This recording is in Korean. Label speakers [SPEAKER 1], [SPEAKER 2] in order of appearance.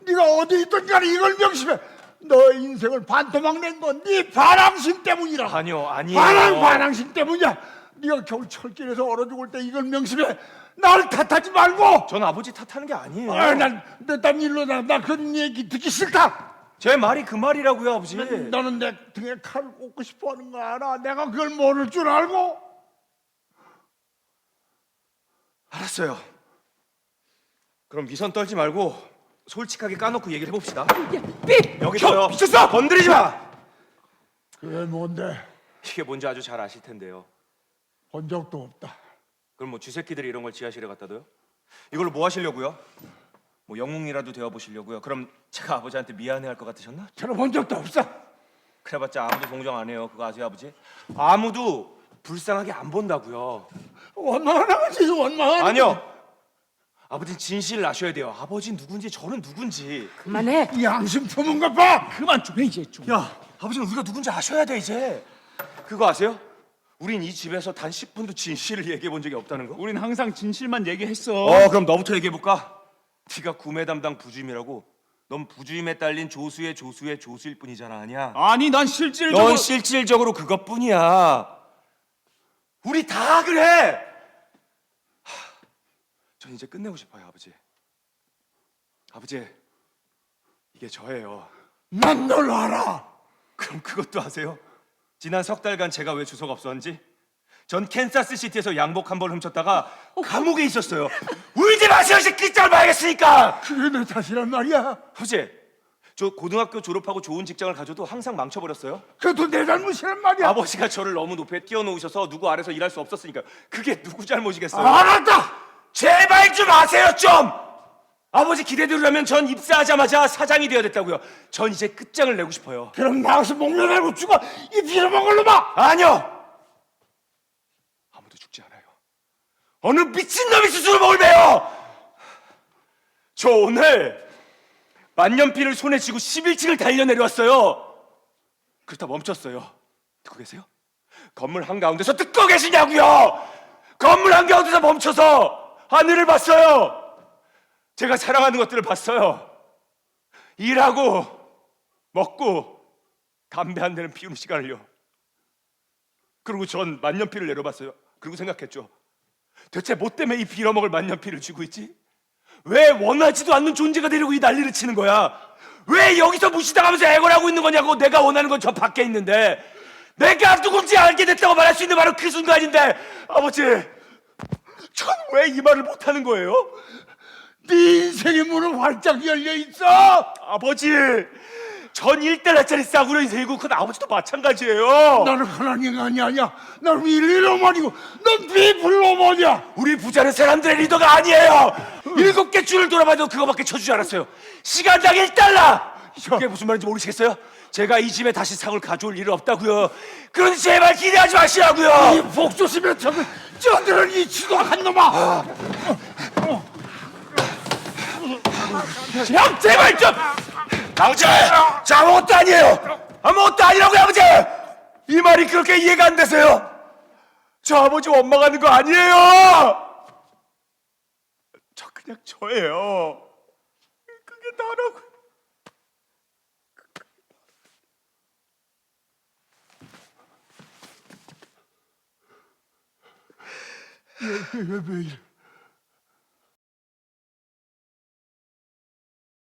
[SPEAKER 1] 네가 어디 있든 간에 이걸 명심해. 너 인생을 반토막 낸 건 네 반항심 때문이라.
[SPEAKER 2] 아니요, 아니에요.
[SPEAKER 1] 반항심 때문이야. 네가 겨울 철길에서 얼어 죽을 때 이걸 명심해. 나를 탓하지 말고.
[SPEAKER 2] 전 아버지 탓하는 게 아니에요.
[SPEAKER 1] 난 일로 나 그런 얘기 듣기 싫다.
[SPEAKER 2] 제 말이 그 말이라고요, 아버지.
[SPEAKER 1] 너는 내 등에 칼을 꽂고 싶어하는 거 알아? 내가 그걸 모를 줄 알고?
[SPEAKER 2] 알았어요. 그럼 위선 떨지 말고 솔직하게 까놓고 얘기를 해봅시다.
[SPEAKER 3] 삐!
[SPEAKER 2] 여기서요.
[SPEAKER 1] 미쳤어!
[SPEAKER 2] 건드리지 마.
[SPEAKER 1] 그게 뭔데?
[SPEAKER 2] 이게 뭔지 아주 잘 아실 텐데요.
[SPEAKER 1] 본 적도 없다.
[SPEAKER 2] 그럼 뭐 쥐새끼들이 이런 걸 지하실에 갖다 둬요? 이걸로 뭐 하시려고요? 뭐 영웅이라도 되어 보시려고요? 그럼 제가 아버지한테 미안해할 것 같으셨나?
[SPEAKER 1] 들어본 적도 없어.
[SPEAKER 2] 그래봤자 아무도 동정 안 해요. 그거 아세요, 아버지? 아무도 불쌍하게 안 본다고요.
[SPEAKER 1] 원망하지 원망.
[SPEAKER 2] 아니요. 아버지는 진실을 아셔야 돼요. 아버지 누군지 저는 누군지.
[SPEAKER 3] 그만해.
[SPEAKER 1] 이 양심 품은 것 봐.
[SPEAKER 3] 그만 좀 해 이제 좀.
[SPEAKER 2] 야, 아버지는 우리가 누군지 아셔야 돼 이제. 그거 아세요? 우린 이 집에서 단 10분도 진실을 얘기해 본 적이 없다는 거.
[SPEAKER 4] 우린 항상 진실만 얘기했어.
[SPEAKER 2] 그럼 너부터 얘기해 볼까? 네가 구매 담당 부주임이라고. 넌 부주임에 딸린 조수의 조수일 뿐이잖아, 아니야?
[SPEAKER 4] 아니 난 실질적으로
[SPEAKER 2] 넌 실질적으로 그것뿐이야. 우리 다 그래. 전 이제 끝내고 싶어요, 아버지. 아버지, 이게 저예요.
[SPEAKER 1] 난 널 알아.
[SPEAKER 2] 그럼 그것도 아세요? 지난 석 달간 제가 왜 주소가 없었는지? 전 캔사스 시티에서 양복 한 벌 훔쳤다가 감옥에 있었어요. 울지 마세요, 이제 끝장을 봐야겠으니까.
[SPEAKER 1] 그게 내 탓이란 말이야.
[SPEAKER 2] 아버지, 저 고등학교 졸업하고 좋은 직장을 가져도 항상 망쳐버렸어요.
[SPEAKER 1] 그것도 내 잘못이란 말이야.
[SPEAKER 2] 아버지가 저를 너무 높이 띄워놓으셔서 누구 아래서 일할 수 없었으니까. 그게 누구 잘못이겠어요?
[SPEAKER 1] 알았다.
[SPEAKER 2] 제발 좀 아세요, 좀! 아버지 기대대로라면 전 입사하자마자 사장이 되어야 됐다고요. 전 이제 끝장을 내고 싶어요.
[SPEAKER 1] 그럼 나가서 목련하고 죽어. 이 빌어먹을 놈아.
[SPEAKER 2] 아니요! 아무도 죽지 않아요. 어느 미친놈이 스스로 목을 베요! 저 오늘 만년필을 손에 쥐고 11층을 달려내려왔어요. 그러다 멈췄어요. 듣고 계세요? 건물 한가운데서 듣고 계시냐고요! 건물 한가운데서 멈춰서 하늘을 봤어요. 제가 사랑하는 것들을 봤어요. 일하고 먹고 담배 한 대는 피우는 시간을요. 그리고 전 만년필을 내려봤어요. 그리고 생각했죠. 대체 뭐 때문에 이 빌어먹을 만년필을 쥐고 있지? 왜 원하지도 않는 존재가 되려고 이 난리를 치는 거야? 왜 여기서 무시당하면서 애걸하고 있는 거냐고. 내가 원하는 건 저 밖에 있는데, 내가 누군지 알게 됐다고 말할 수 있는 바로 그 순간인데. 아버지, 전 왜 이 말을 못하는 거예요?
[SPEAKER 1] 네 인생의 문은 활짝 열려 있어.
[SPEAKER 2] 아버지, 전 1달러짜리 싸구려 인생이고 그건 아버지도 마찬가지예요.
[SPEAKER 1] 나는 흔한 인간이 아니야. 난 윌리로만이고 넌 비블로만이야.
[SPEAKER 2] 우리 부자는 사람들의 리더가 아니에요. 7개 줄을 돌아봐도 그거밖에 쳐주지 않았어요. 시간당 1달러. 그게 무슨 말인지 모르시겠어요? 제가 이 집에 다시 상을 가져올 일은 없다고요. 그러니 제발 기대하지 마시라고요.
[SPEAKER 1] 이 복조심에 저들은 이 지독한 놈아.
[SPEAKER 2] 형 제발 좀. 아버지, 저 아무것도 아니에요. 아무것도 아니라고요, 아버지. 이 말이 그렇게 이해가 안 되세요? 저 아버지 원망하는 거 아니에요. 저 그냥 저예요. 그게 나라고.
[SPEAKER 1] 왜 이래?